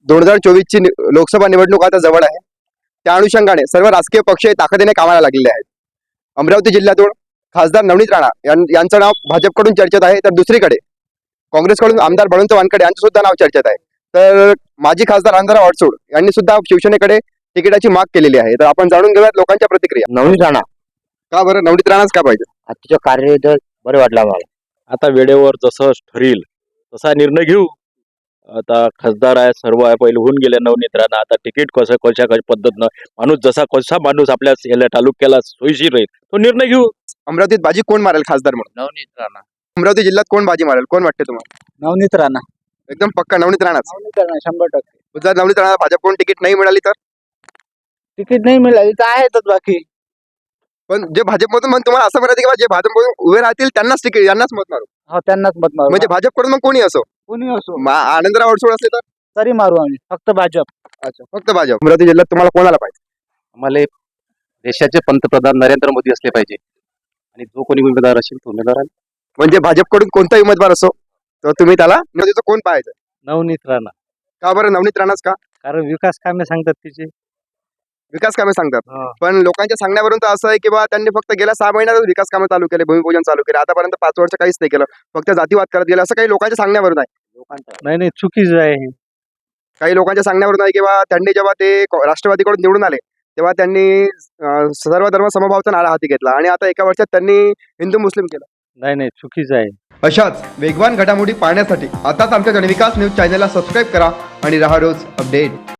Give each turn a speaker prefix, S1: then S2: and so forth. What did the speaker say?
S1: 2024ची लोकसभा निवडणूक आता जवळ आहे. त्या अनुषंगाने सर्व राजकीय पक्ष ताकदीने कामाला लागलेले आहेत. अमरावती जिल्ह्यातून खासदार नवनीत राणा यांचं नाव भाजपकडून चर्चेत आहे, तर दुसरीकडे काँग्रेसकडून आमदार बळवंत वानखडे यांचं सुद्धा नाव चर्चेत आहे. तर माजी खासदार अंधाराव अडसूळ यांनी सुद्धा शिवसेनेकडे तिकिटाची माग केलेली आहे. तर आपण जाणून घेऊयात लोकांच्या प्रतिक्रिया.
S2: नवनीत राणा
S1: का बरं नवनीत राणाच का पाहिजे?
S2: आजचं कार्य बरं वाटलं आम्हाला.
S3: आता वेळेवर जसं ठरेल तसा निर्णय घेऊ. आता खासदार आहे, सर्व आहे, पहिले होऊन गेले नवनीत राणा. आता तिकीट कशा पद्धतीनं कसा माणूस आपल्या याला तालुक्याला सोयीशीर राहील तो निर्णय घेऊ.
S1: अमरावतीत बाजी कोण मारेल खासदार म्हणून?
S2: नवनीत राणा.
S1: अमरावती जिल्ह्यात कोण बाजी मारेल, कोण वाटते तुम्हाला?
S2: नवनीत राणा.
S1: एकदम पक्का नवनीत राणाच.
S2: 100%.
S1: जर नवनीत राणा भाजपकडून तिकीट नाही मिळाली तर?
S2: तिकीट नाही मिळाली तर आहेतच बाकी.
S1: पण जे भाजपमधून मग तुम्हाला असं म्हणायचं की जे भाजपमधून उभे राहतील त्यांनाच तिकीट, यांनाच मत मारू.
S2: हो, त्यांनाच मत मारू.
S1: म्हणजे भाजपकडून मग कोणी असो,
S2: कोणी असो
S1: आनंदराव अडसूळ असले तर?
S2: तरी मारू आम्ही, फक्त भाजप.
S1: अच्छा, फक्त भाजप. अमरावती जिल्ह्यात तुम्हाला कोणाला पाहिजे?
S4: आम्हाला देशाचे पंतप्रधान नरेंद्र मोदी असले पाहिजे आणि जो कोणी उमेदवार असेल तो उमेदवार.
S1: म्हणजे भाजपकडून कोणताही उमेदवार असो तर तुम्ही त्याला अमरावतीचं कोण पाहायचं?
S3: नवनीत राणा.
S1: का बरं नवनीत राणाच का?
S3: कारण विकास कामे सांगतात तिचे.
S1: विकास कामे सांगतात,
S3: हा.
S1: पण लोकांच्या सांगण्यावरून तर असं आहे की बा त्यांनी फक्त गेल्या 6 महिन्यातच विकास कामे चालू केले, भूमिपूजन चालू केले. आतापर्यंत 5 वर्ष काहीच नाही केलं, फक्त जातीवाद करत गेले, असं काही लोकांच्या सांगण्यावरून आहे.
S3: नाही चुकीचं आहे हे.
S1: काही लोकांच्या सांगण्यावरून आहे की बा त्यांनी जेव्हा ते राष्ट्रवादीकडून निवडून आले तेव्हा त्यांनी सर्व धर्म समभावचा नारा हाती घेतला आणि आता एका वर्षात त्यांनी हिंदू मुस्लिम केलं.
S3: नाही चुकीचं आहे.
S1: अशाच वेगवान घडामोडी पाहण्यासाठी आताच आमच्या जनविकास न्यूज चॅनलला सबस्क्राईब करा आणि राहा रोज अपडेट.